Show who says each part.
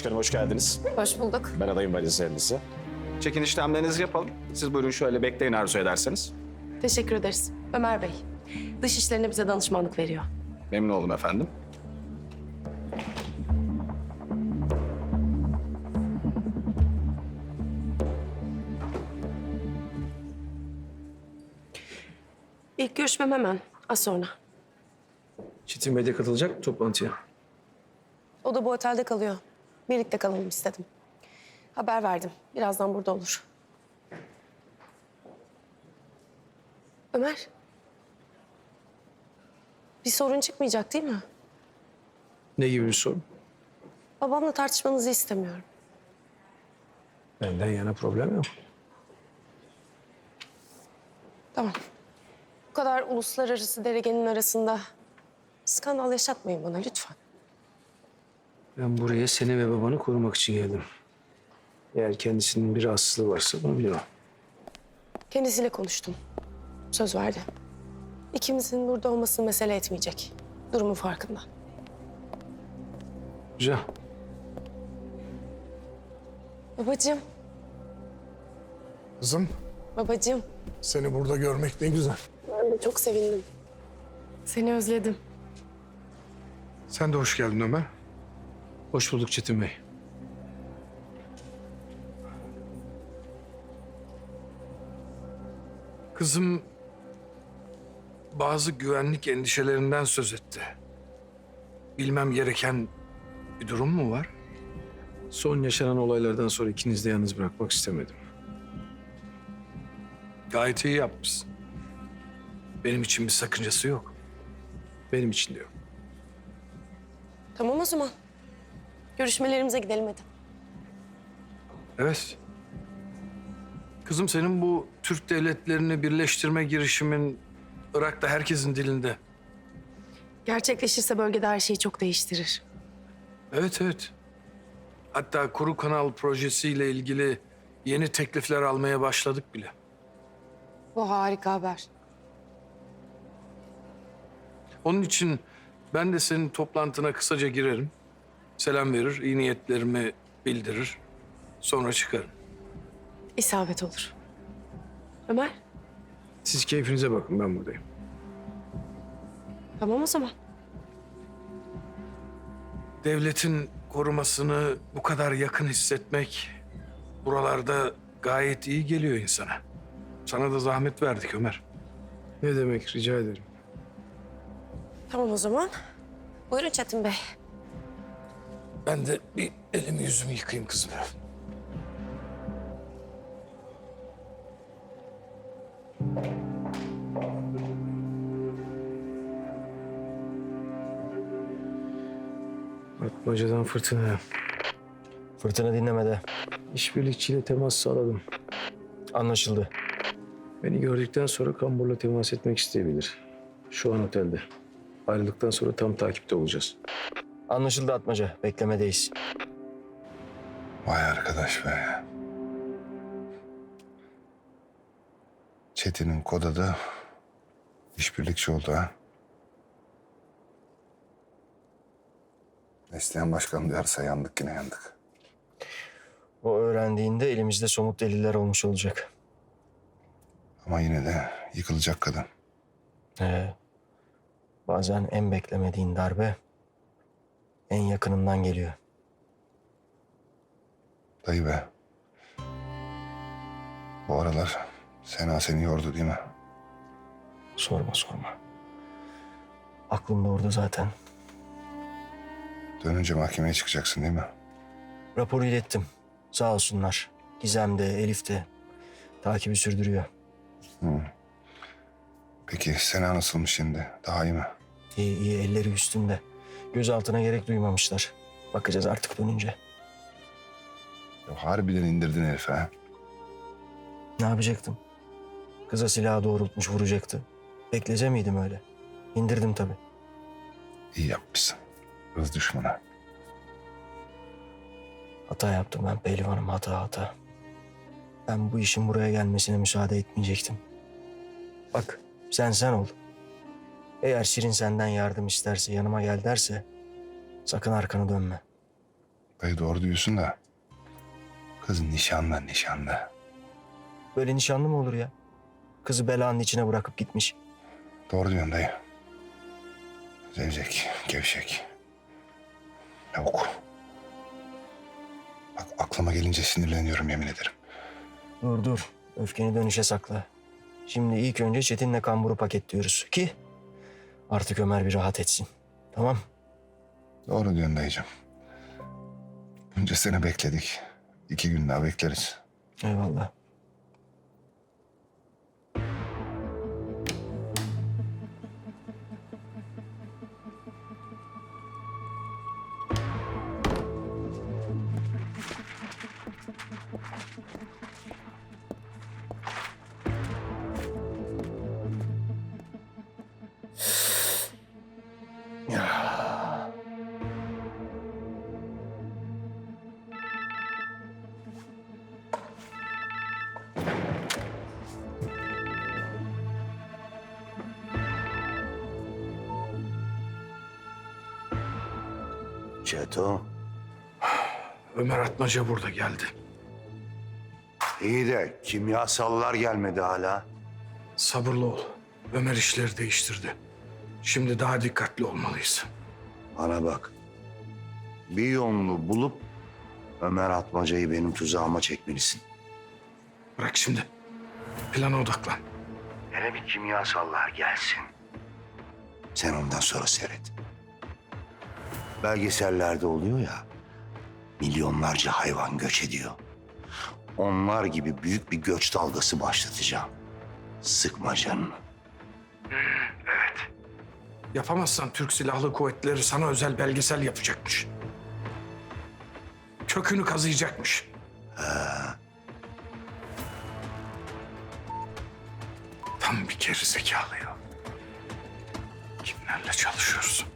Speaker 1: Başkanım hoş geldiniz.
Speaker 2: Hoş bulduk.
Speaker 1: Ben adayım valizlerinizi. Çekin işlemlerinizi yapalım. Siz buyurun şöyle bekleyin arzu ederseniz.
Speaker 2: Teşekkür ederiz. Ömer Bey, dış işlerine bize danışmanlık veriyor.
Speaker 1: Memnun oldum efendim.
Speaker 2: İlk görüşmem hemen, az sonra.
Speaker 3: Çetin Bey de katılacak mı toplantıya?
Speaker 2: O da bu otelde kalıyor. Birlikte kalalım istedim. Haber verdim. Birazdan burada olur. Ömer. Bir sorun çıkmayacak değil mi?
Speaker 3: Ne gibi bir sorun?
Speaker 2: Babamla tartışmanızı istemiyorum.
Speaker 3: Benden yana problem yok.
Speaker 2: Tamam. Bu kadar uluslararası deregenin arasında skandal yaşatmayın bana lütfen.
Speaker 3: Ben buraya seni ve babanı korumak için geldim. Eğer kendisinin bir rahatsızlığı varsa bunu bilemem.
Speaker 2: Kendisiyle konuştum. Söz verdi. İkimizin burada olması mesele etmeyecek. Durumun farkında.
Speaker 3: Güzel.
Speaker 2: Babacığım,
Speaker 4: Kızım,
Speaker 2: babacığım.
Speaker 4: seni burada görmek ne güzel.
Speaker 2: Ben de çok sevindim. Seni özledim.
Speaker 4: Sen de hoş geldin Ömer.
Speaker 3: Hoş bulduk Çetin Bey.
Speaker 4: Kızım bazı güvenlik endişelerinden söz etti. Bilmem gereken bir durum mu var?
Speaker 3: Son yaşanan olaylardan sonra ikinizi de yalnız bırakmak istemedim.
Speaker 4: Gayet iyi yapmışsın. Benim için bir sakıncası yok.
Speaker 3: Benim için de yok.
Speaker 2: Tamam o zaman. Görüşmelerimize gidelim hadi.
Speaker 4: Evet. Kızım senin bu Türk devletlerini birleştirme girişimin Irak'ta herkesin dilinde.
Speaker 2: Gerçekleşirse bölgede her şeyi çok değiştirir.
Speaker 4: Evet, evet. Hatta Kuru Kanal projesiyle ilgili yeni teklifler almaya başladık bile.
Speaker 2: Bu harika haber.
Speaker 4: Onun için ben de senin toplantına kısaca girerim. Selam verir, iyi niyetlerimi bildirir. Sonra çıkarım.
Speaker 2: İsabet olur. Ömer,
Speaker 3: Siz keyfinize bakın, ben buradayım.
Speaker 2: tamam o zaman.
Speaker 4: Devletin korumasını bu kadar yakın hissetmek buralarda gayet iyi geliyor insana. Sana da zahmet verdik Ömer.
Speaker 3: Ne demek, rica ederim.
Speaker 2: Tamam o zaman. Buyurun Çetin Bey.
Speaker 4: Ben de bir elimi yüzümü yıkayayım kızım.
Speaker 3: Atmacadan fırtına.
Speaker 5: Fırtına dinlemede.
Speaker 3: İşbirlikçiyle temas sağladım.
Speaker 5: Anlaşıldı.
Speaker 3: Beni gördükten sonra kamburla temas etmek isteyebilir. Şu an otelde. Ayrıldıktan sonra tam takipte olacağız.
Speaker 5: Anlaşıldı Atmaca. Beklemedeyiz.
Speaker 6: Vay arkadaş be. Çetin'in koda da işbirlikçi oldu ha. Neslihan Başkan duyarsa yandık yine yandık.
Speaker 5: O öğrendiğinde elimizde somut deliller olmuş olacak.
Speaker 6: Ama yine de yıkılacak kadın.
Speaker 5: Bazen en beklemediğin darbe en yakınından geliyor.
Speaker 6: Dayı be. Bu aralar Sena seni yordu değil mi?
Speaker 5: Sorma sorma. Aklım da orada zaten.
Speaker 6: Dönünce mahkemeye çıkacaksın değil mi?
Speaker 5: Raporu ilettim. Sağ olsunlar. Gizem de Elif de takibi sürdürüyor.
Speaker 6: Peki Sena nasılmış şimdi? Daha iyi mi?
Speaker 5: İyi iyi, elleri üstünde. Gözaltına gerek duymamışlar. Bakacağız artık dönünce.
Speaker 6: Ya harbiden indirdin herife ha.
Speaker 5: Ne yapacaktım? Kıza silahı doğrultmuş vuracaktı. Beklese miydim öyle? İndirdim tabii.
Speaker 6: İyi yapmışsın. Hız düşmanı.
Speaker 5: Hata yaptım ben pehlivanım, hata. Ben bu işin buraya gelmesine müsaade etmeyecektim. Bak sen ol. Eğer Şirin senden yardım isterse, yanıma gel derse sakın arkanı dönme.
Speaker 6: Dayı doğru diyorsun da kız nişanlı.
Speaker 5: Böyle nişanlı mı olur ya? Kızı belanın içine bırakıp gitmiş.
Speaker 6: Doğru diyorsun dayı. Zevzek, gevşek. Lavuk. Bak aklıma gelince sinirleniyorum yemin ederim.
Speaker 5: Dur. Öfkeni dönüşe sakla. Şimdi ilk önce Çetin'le kamburu paketliyoruz ki artık Ömer bir rahat etsin. Tamam?
Speaker 6: Doğru diyorsun dayıcığım. Bunca sene bekledik. 2 gün daha bekleriz.
Speaker 5: Eyvallah.
Speaker 7: Çeto,
Speaker 4: Ömer Atmaca burada geldi.
Speaker 7: iyi de kimyasallar gelmedi hala.
Speaker 4: Sabırlı ol. Ömer işleri değiştirdi. Şimdi daha dikkatli olmalıyız.
Speaker 7: Bana bak. Bir yolunu bulup Ömer Atmaca'yı benim tuzağıma çekmelisin.
Speaker 4: Bırak şimdi. Plana odaklan.
Speaker 7: Hele bir kimyasallar gelsin. Sen ondan sonra seyret. Belgesellerde oluyor ya, milyonlarca hayvan göç ediyor. Onlar gibi büyük bir göç dalgası başlatacağım. Sıkma canını.
Speaker 4: Yapamazsan Türk Silahlı Kuvvetleri sana özel belgesel yapacakmış. Kökünü kazıyacakmış. Tam bir gerizekalı ya. Kimlerle çalışıyoruz?